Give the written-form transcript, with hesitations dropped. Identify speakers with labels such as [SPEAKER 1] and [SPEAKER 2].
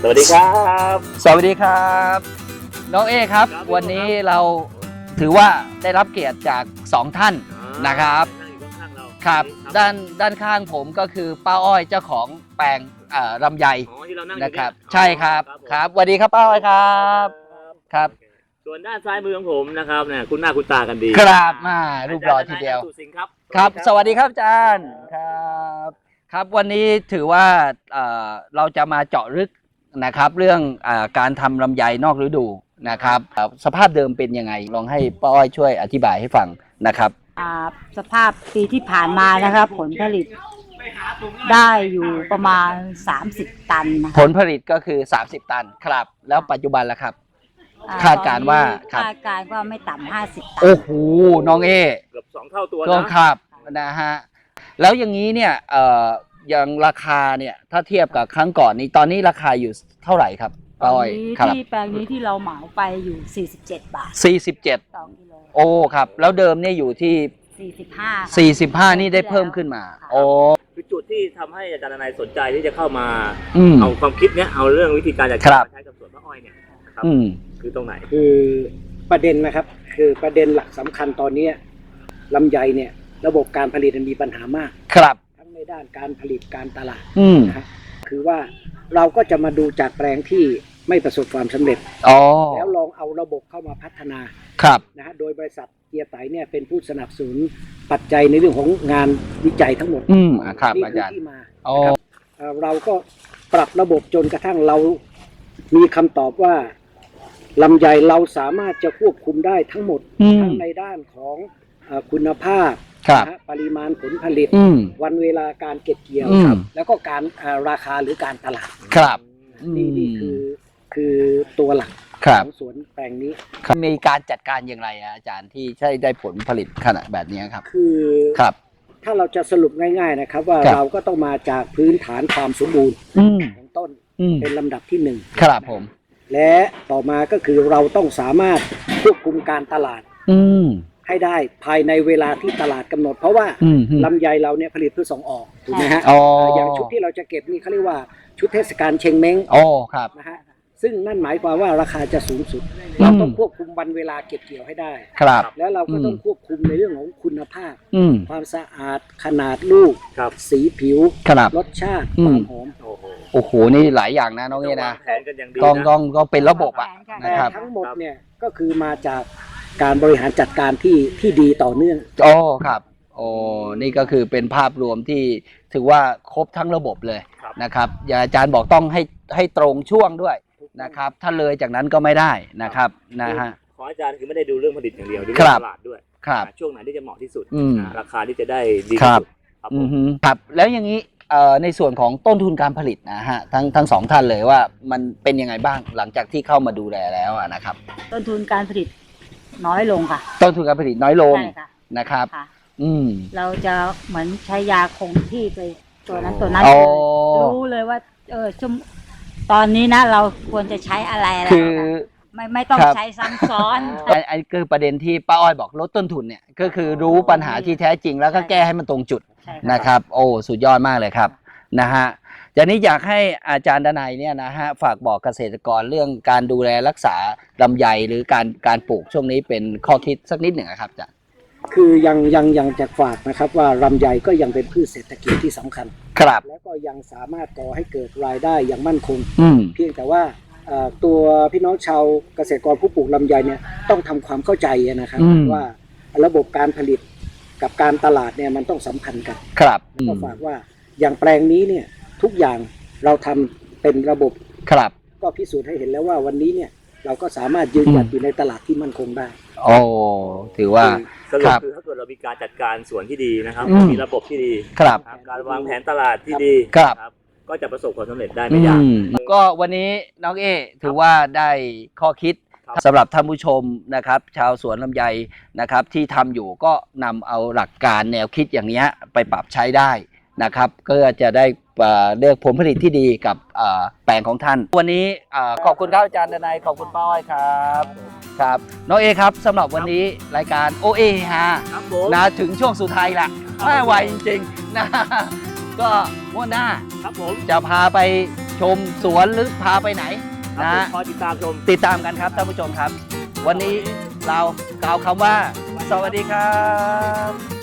[SPEAKER 1] สวัสดีครับ
[SPEAKER 2] สวัสดีครับน้องเอครับวันนี้เราถือว่าได้รับเกียรติจาก2ท่านนะครับครับด้านข้างผมก็คือป้าอ้อยเจ้าของแปลงลำไยนะครับใช่ครับครับสวัสดีครับป้าอ้อยครับครับ
[SPEAKER 1] ส่วนด้านซ้ายมือของผมนะครับเนี่ยคุณหน้าคุณตากันดี
[SPEAKER 2] ครับมารูปหล่อทีเดียวครับสวัสดีครับอาจารย์ครับวันนี้ถือว่าเราจะมาเจาะลึกนะครับเรื่องการทำลำไยนอกฤดูนะครับสภาพเดิมเป็นยังไงลองให้ป้าอ้อยช่วยอธิบายให้ฟังนะครับ
[SPEAKER 3] สภาพปีที่ผ่านมานะครับผลผลิตได้อยู่ประมาณ30 ตันนะ
[SPEAKER 2] ผลผลิตก็คือ30 ตันครับแล้วปัจจุบันล่ะครับคาดการว่า
[SPEAKER 3] คาดการว่าไม่ต่ำ50 ตัน
[SPEAKER 2] โอ้โหน้องเอ
[SPEAKER 1] เกือบ2 เท่าตัว
[SPEAKER 2] นะครับนะฮะแล้วอย่างนี้เนี่ยอย่างราคาเนี่ยถ้าเทียบกับครั้งก่อนนี้ตอนนี้ราคาอยู่เท่าไหร่ครับป้าอ้อย
[SPEAKER 3] ที่แปลงนี้ที่เราเหมาไปอยู่47 บาท
[SPEAKER 2] 47
[SPEAKER 3] ต่อกิโล
[SPEAKER 2] โอ้ครับแล้วเดิมเนี่ยอยู่ที่45นี่ได้เพิ่มขึ้นมาโอ้
[SPEAKER 1] คือจุดที่ทำให้อาจารย์นายสนใจที่จะเข้ามาเอาความคิดเนี้ยเอาเรื่องวิธีการจัดการใช้กับสวนมะอ้อยเนี่ยครับคือตรงไหน
[SPEAKER 4] คือประเด็นนะครับคือประเด็นหลักสำคัญตอนนี้ลำไยเนี่ยระบบการผลิตมีปัญหามาก
[SPEAKER 2] ครับ
[SPEAKER 4] ทั้งในด้านการผลิตการตลาดนะครับคือว่าเราก็จะมาดูจากแปลงที่ไม่ประสบความสำเร็จแล้วลองเอาระบบเข้ามาพัฒนา
[SPEAKER 2] ครับ
[SPEAKER 4] นะฮะโดยบริษัทเกียร์ไตเนี่ยเป็นผู้สนับสนุนปัจจัยในเรื่องของงานวิจัยทั้งหมด
[SPEAKER 2] ครับ
[SPEAKER 4] นี่
[SPEAKER 2] คือ
[SPEAKER 4] ที่มาเราก็ปรับระบบจนกระทั่งเรามีคำตอบว่าลำไยเราสามารถจะควบคุมได้ทั้งหมดทั้งในด้านของคุณภาพปริมาณผลผลิตวันเวลาการเก็บเกี่ยวแล้วก็การราคาหรือการตลาด
[SPEAKER 2] ครับ
[SPEAKER 4] นี่คือตัวหลักของสวนแปลงนี้
[SPEAKER 2] มีการจัดการอย่างไรอาจารย์ที่ใช้ได้ผลผลิตขนาดแบบนี้ครับ
[SPEAKER 4] คือ
[SPEAKER 2] ครับ
[SPEAKER 4] ถ้าเราจะสรุปง่ายๆนะครับว่าเราก็ต้องมาจากพื้นฐานความสมบูรณ์ของต้นเป็นลำดับที่1
[SPEAKER 2] ครับผม
[SPEAKER 4] และต่อมาก็คือเราต้องสามารถควบคุมการตลาดให้ได้ภายในเวลาที่ตลาดกำหนดเพราะว่าลำไยเราเนี่ยผลิตเพื่อส่งออกถูกไหมฮะอย่างชุดที่เราจะเก็บนี่เขาเรียกว่าชุดเทศกาลเชงเม้ง
[SPEAKER 2] ครับ
[SPEAKER 4] นะฮะซึ่งนั่นหมายความว่าราคาจะสูงสุดเราต้องควบคุมวันเวลาเก็บเกี่ยวให้ได้
[SPEAKER 2] ครับ
[SPEAKER 4] แล้วเราก็ต้องควบคุมในเรื่องของคุณภาพความสะอาดขนาดลูกสีผิวรสชาติความหอม
[SPEAKER 2] โอ้โหนี่หลายอย่างนะน้องนี่นะต้องเป็นระบบนะครับ
[SPEAKER 4] ทั้งหมดเนี่ยก็คือมาจากการบริหารจัดการที่ดีต่อเนื่อง
[SPEAKER 2] ครับนี่ก็คือเป็นภาพรวมที่ถือว่าครบทั้งระบบเลยนะครับอย่าอาจารย์บอกต้องให้ตรงช่วงด้วยนะครับถ้าเลยจากนั้นก็ไม่ได้นะครับนะฮะ
[SPEAKER 1] ขออาจารย์คือไม่ได้ดูเรื่องผลิตอย่างเดียวดูเรื่องตลาดด้วย
[SPEAKER 2] ครับ
[SPEAKER 1] ช่วงไหนที่จะเหมาะที่สุดราคาที่จะได้ดี
[SPEAKER 2] ที่สุดครับแล้วอย่างนี้ในส่วนของต้นทุนการผลิตนะฮะทั้งสองท่านเลยว่ามันเป็นยังไงบ้างหลังจากที่เข้ามาดูแลแล้วนะครับ
[SPEAKER 3] ต้นทุนการผลิตน้อยลงค่ะ
[SPEAKER 2] ต้นทุนการผลิตน้อยลงนะครับ
[SPEAKER 3] เราจะเหมือนใช้ยาคงที่ไปตัวนั้นรู้เลยว่าตอนนี้นะเราควรจะใช้อะไร
[SPEAKER 2] คือ
[SPEAKER 3] ไม่ต้องใช้ซ้ำซ้อน
[SPEAKER 2] อันนี้คือประเด็นที่ป้าอ้อยบอกลดต้นทุนเนี่ยก็คือรู้ปัญหาที่แท้จริงแล้วก็แก้ให้มันตรงจุดนะครับโอ้สุดยอดมากเลยครับนะฮะจากนี้อยากให้อาจารย์ดนัยเนี่ยนะฮะฝากบอกเกษตรกรเรื่องการดูแลรักษาลำไยหรือการปลูกช่วงนี้เป็นข้อคิดสักนิดหนึ่งครับจ้ะ
[SPEAKER 4] คือยังจะฝากนะครับว่าลำไยก็ยังเป็นพืชเศรษฐกิจที่สำคัญ
[SPEAKER 2] ครับ
[SPEAKER 4] แล้วก็ยังสามารถก่อให้เกิดรายได้อย่างมั่นคงเพียงแต่ว่าตัวพี่น้องชาวเกษตรกรผู้ปลูกลำไยเนี่ยต้องทำความเข้าใจนะครับว่าระบบการผลิตกับการตลาดเนี่ยมันต้องสัมพันธ์กัน
[SPEAKER 2] ครับ
[SPEAKER 4] ก็ฝากว่าอย่างแปลงนี้เนี่ยทุกอย่างเราทำเป็นระบบ
[SPEAKER 2] ครับ
[SPEAKER 4] ก็พิสูจน์ให้เห็นแล้วว่าวันนี้เนี่ยเราก็สามารถยืนหยัดอยู่ในตลาดที่มั่นคงได้
[SPEAKER 2] ถือว่า
[SPEAKER 1] คือถ้าเกิดเรามีการจัดการสวนที่ดีนะครับมีระบบที่ดีการวางแผนตลาดที่ดีก็จะประสบความสำเร็จได้ไม่ยาก
[SPEAKER 2] ก็วันนี้น้องเอถือว่าได้ข้อคิดสำหรับท่านผู้ชมนะครับชาวสวนลำไยนะครับที่ทำอยู่ก็นำเอาหลักการแนวคิดอย่างนี้ไปปรับใช้ได้นะครับก็จะได้เลือกผลผลิตที่ดีกับแปลงของท่านวันนี้ขอบคุณครับอาจารย์ดนัยขอบคุณป้าอ้อยครับน้องเอครับสำหรับวันนี้รายการโอเอฮะนะถึงช่วงสุดท้ายละไม่ไหวจริงๆนะก็งวดหน้าจะพาไปชมสวนหรือพาไปไหน
[SPEAKER 1] ครับ
[SPEAKER 2] นะ
[SPEAKER 1] ผมคอยติดตามชม
[SPEAKER 2] ติดตามกันครับท่านผู้ชมครับ วันนี้เรากล่าวคำว่า สวัสดีครับ